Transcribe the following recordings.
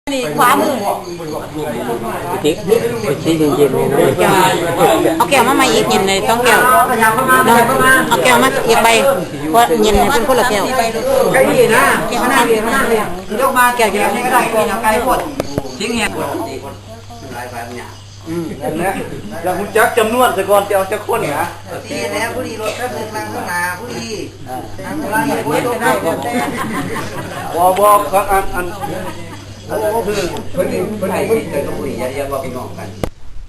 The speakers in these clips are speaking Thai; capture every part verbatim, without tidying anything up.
นี่ขวามือติ๊กติ๊กเย็นๆเลยนะเอาแก้วมาใหม่อีกเย็นเลยต้องแก้วเอาแก้วมาอีกใบเพราะเย็นเป็นคนละแก้วไก่ดีนะแก้วหน้าเรียนหน้าเรียนยกมาแก้วนี้ก็ได้กินเอาไก่พดทิ้งเงี้ยอืมนั่นแหละแล้วคุณจักจำนวนสะก่อนจะเอาจะคนนะดีแล้วผู้ดีรถแป๊บนึงนั่งข้างหน้าผู้ดีนั่งข้างหลังผู้ดีได้บ่บ่ครับอันอันโอ้คือเพิ่นนี่เพิ่นนี่เจอกับผู้ดีอย่าว่าพี่น้องกัน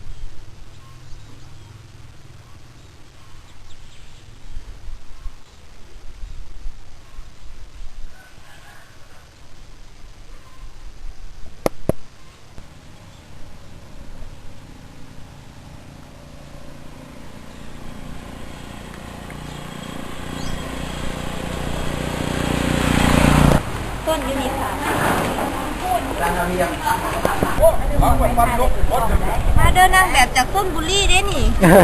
ต้นยูนิค่ะมาเดินนั่งแบบจากต้นบุรีเด้นี่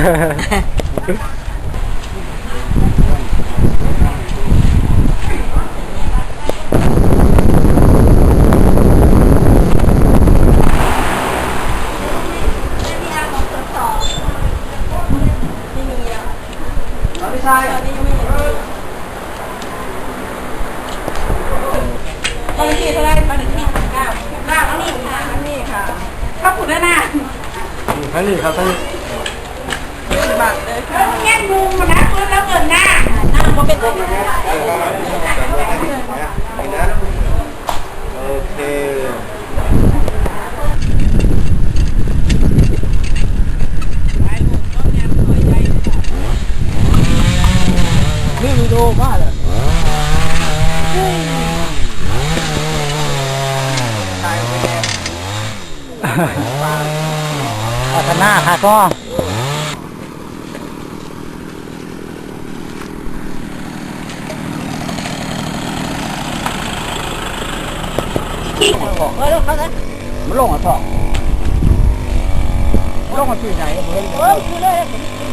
ไม่ใช่ตอนที่เท่าไรตอนที่เก้าเก้าอันนี้ค่ะอันนี้ค่ะข้าวผุดแล้วนะทั้งนี้ครับทั้งนี้บัตรเลยค่ะแง่มุมนะเพื่อนแล้วเงินหน้าหน้ามันเป็นตัวโอเคนี่วิดีโอมาเลยพัฒนาค่ะก็เออเขาเนี่ยมันลงอ่ะพ่อลงอ่ะที่ไหนเฮ้ยเฮ้ยคือเลย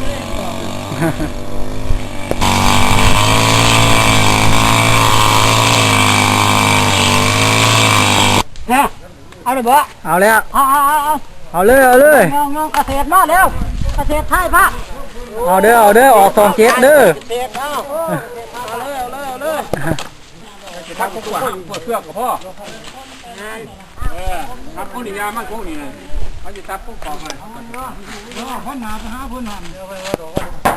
เนี่ยเอาเลยบ่เอาแล้วเอาเอาเอาเอาเลยเอาเลยงงงเกษตรมาแล้วเกษตรไทยพะเอาเด้อเอาเด้อออกสองเจ็ดเด้อเกษตรเอาเอาเลยเอาเลยเอาเลยทับพวกพวกเชือกกับพ่อเออทับพวกนี้ยามันพวกนี้เขาจะทับพวกของมันพ่อหนาไปหาพ่อหนามเดี๋ยวไปว่า